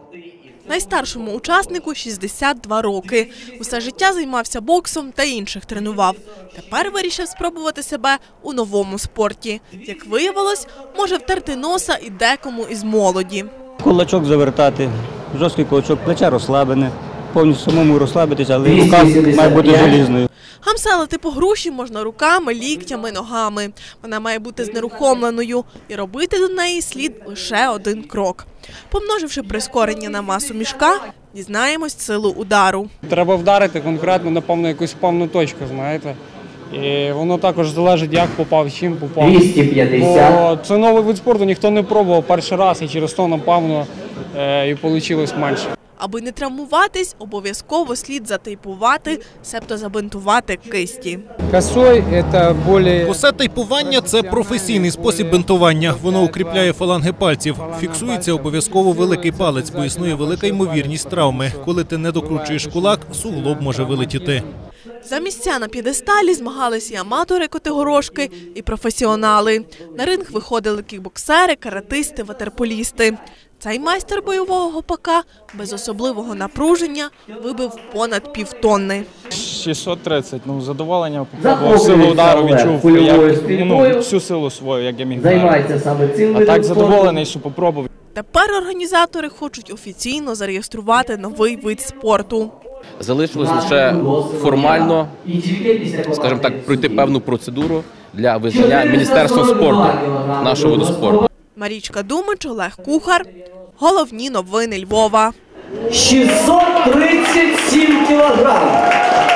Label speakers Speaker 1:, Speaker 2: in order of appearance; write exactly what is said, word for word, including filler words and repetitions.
Speaker 1: Найстаршому учаснику – шістдесят два роки. Усе життя займався боксом та інших тренував. Тепер вирішив спробувати себе у новому спорті. Як виявилось, може втерти носа і декому із молоді.
Speaker 2: Кулачок завертати, жорсткий кулачок, плече розслаблене, повністю самому розслабитися, але рука має бути желізною.
Speaker 1: Гамселити по груші можна руками, ліктями, ногами. Вона має бути знерухомленою і робити до неї слід лише один крок. Помноживши прискорення на масу мішка, дізнаємось силу удару.
Speaker 3: Треба вдарити конкретно, напевно, якусь певну точку, знаєте. І воно також залежить, як попав, чим попав.
Speaker 4: двісті п'ятдесят.
Speaker 3: Бо це новий вид спорту, ніхто не пробував перший раз, і через то, напевно, і вийшло менше.
Speaker 1: Аби не травмуватись, обов'язково слід затейпувати, себто забинтувати кисті.
Speaker 5: Косе тейпування – це професійний спосіб бинтування. Воно укріпляє фаланги пальців. Фіксується обов'язково великий палець, бо існує велика ймовірність травми. Коли ти не докручуєш кулак, суглоб може вилетіти.
Speaker 1: За місця на п'єдесталі змагались і аматори котигорошки, і професіонали. На ринг виходили кікбоксери, каратисти, ватерполісти. Цей майстер бойового гопака без особливого напруження вибив понад півтонни.
Speaker 6: шістсот тридцять, ну, задоволення, попробував силу удару, відчув як, ну, всю силу свою, як я міг вдарити. А так задоволений, що попробував.
Speaker 1: Тепер організатори хочуть офіційно зареєструвати новий вид спорту.
Speaker 7: Залишилось лише формально, скажімо так, пройти певну процедуру для визнання Міністерства спорту нашого виду спорту.
Speaker 1: Марічка Думич, Олег Кухар. Головні новини Львова.
Speaker 4: шістсот тридцять сім кілограм.